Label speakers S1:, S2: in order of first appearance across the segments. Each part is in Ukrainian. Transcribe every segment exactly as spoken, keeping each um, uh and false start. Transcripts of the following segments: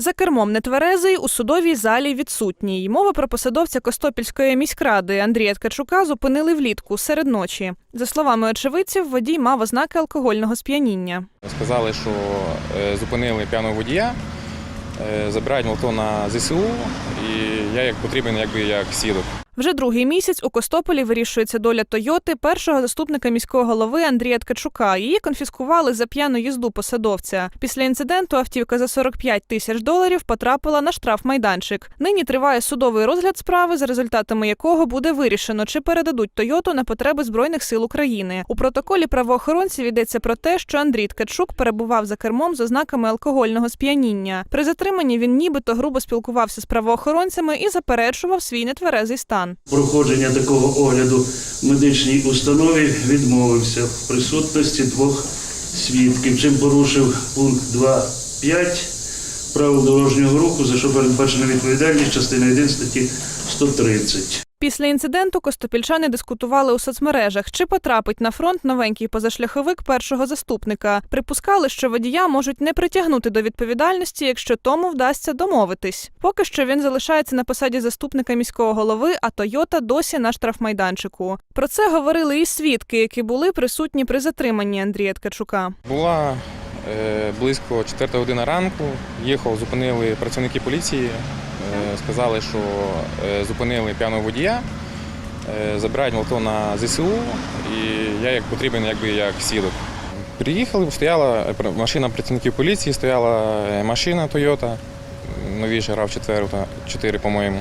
S1: За кермом нетверезий, у судовій залі відсутній. Мова про посадовця Костопільської міськради Андрія Ткачука зупинили влітку, серед ночі. За словами очевидців, водій мав ознаки алкогольного сп'яніння.
S2: Сказали, що зупинили п'яного водія, забирають авто на зе се у, і я як потрібен якби як свідок.
S1: Вже другий місяць у Костополі вирішується доля «Тойоти» першого заступника міського голови Андрія Ткачука. Її конфіскували за п'яну їзду посадовця. Після інциденту автівка за сорок п'ять тисяч доларів потрапила на штрафмайданчик. Нині триває судовий розгляд справи, за результатами якого буде вирішено, чи передадуть «Тойоту» на потреби Збройних сил України. У протоколі правоохоронців йдеться про те, що Андрій Ткачук перебував за кермом з ознаками алкогольного сп'яніння. При затриманні він нібито грубо спілкувався з правоохоронцями і заперечував свій нетверезий стан.
S3: Проходження такого огляду в медичній установі відмовився в присутності двох свідків, чим порушив пункт два п'ять правил дорожнього руху, за що передбачена відповідальність частини один статті сто тридцять.
S1: Після інциденту костопільчани дискутували у соцмережах, чи потрапить на фронт новенький позашляховик першого заступника. Припускали, що водія можуть не притягнути до відповідальності, якщо тому вдасться домовитись. Поки що він залишається на посаді заступника міського голови, а «Тойота» досі на штрафмайданчику. Про це говорили і свідки, які були присутні при затриманні Андрія Ткачука.
S2: Була е, близько четверта година ранку, їхав, зупинили працівники поліції. Сказали, що зупинили п'яного водія, забирають авто на зе се у, і я як потрібен якби як свідок. Приїхали, стояла машина працівників поліції, стояла машина «Тойота», новіша рав чотири, по-моєму.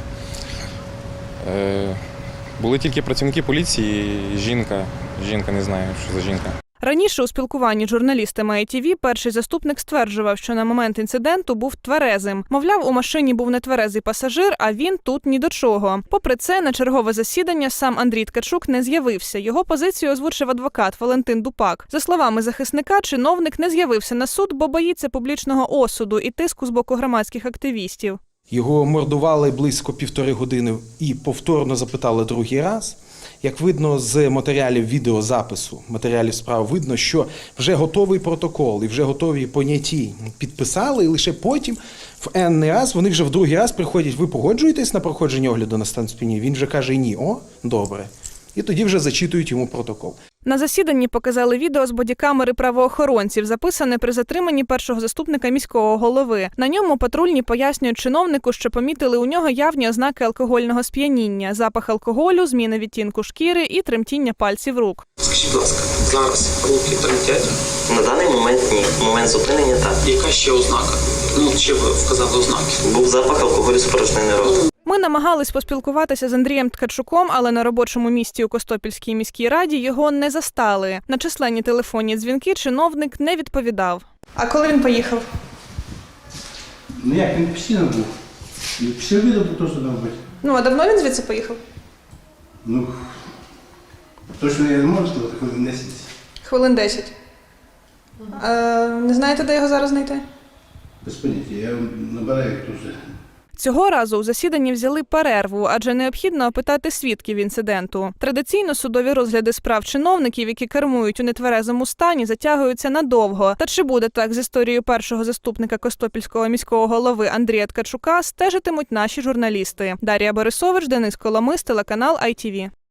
S2: Були тільки працівники поліції, жінка, жінка, не знаю, що за жінка.
S1: Раніше у спілкуванні з журналістами ай ті ві перший заступник стверджував, що на момент інциденту був тверезим. Мовляв, у машині був нетверезий пасажир, а він тут ні до чого. Попри це, на чергове засідання сам Андрій Ткачук не з'явився. Його позицію озвучив адвокат Валентин Дупак. За словами захисника, чиновник не з'явився на суд, бо боїться публічного осуду і тиску з боку громадських активістів.
S4: Його мордували близько півтори години і повторно запитали другий раз. Як видно з матеріалів відеозапису, матеріалів справи, видно, що вже готовий протокол і вже готові поняті підписали, і лише потім в енний раз, вони вже в другий раз приходять, ви погоджуєтесь на проходження огляду на стан сп'яніння? Він вже каже ні, о, добре. І тоді вже зачитують йому протокол.
S1: На засіданні показали відео з бодікамери правоохоронців, записане при затриманні першого заступника міського голови. На ньому патрульні пояснюють чиновнику, що помітили у нього явні ознаки алкогольного сп'яніння, запах алкоголю, зміна відтінку шкіри і тремтіння пальців рук.
S5: Скажіть, будь ласка, зараз руки тремтять?
S6: На даний момент ні. В момент зупинення так.
S5: Яка ще ознака? Ну, чи ви вказали ознаки?
S6: Був запах алкоголю з порожнини роту.
S1: Ми намагались поспілкуватися з Андрієм Ткачуком, але на робочому місці у Костопільській міській раді його не застали. На численні телефонні дзвінки чиновник не відповідав. А коли він поїхав?
S7: Ну як, він постійно був. Після обіду був теж мав бути.
S1: Ну, а давно він звідси поїхав?
S7: Ну, точно я не можу сказати, хвилин десять.
S1: Хвилин десять. А, не знаєте, де його зараз знайти?
S7: Без поняття, я набираю дуже.
S1: Цього разу у засіданні взяли перерву, адже необхідно опитати свідків інциденту. Традиційно судові розгляди справ чиновників, які кермують у нетверезому стані, затягуються надовго. Та чи буде так з історією першого заступника Костопільського міського голови Андрія Ткачука, стежитимуть наші журналісти. Дар'я Борисович, Денис Коломис, телеканал ай ті ві.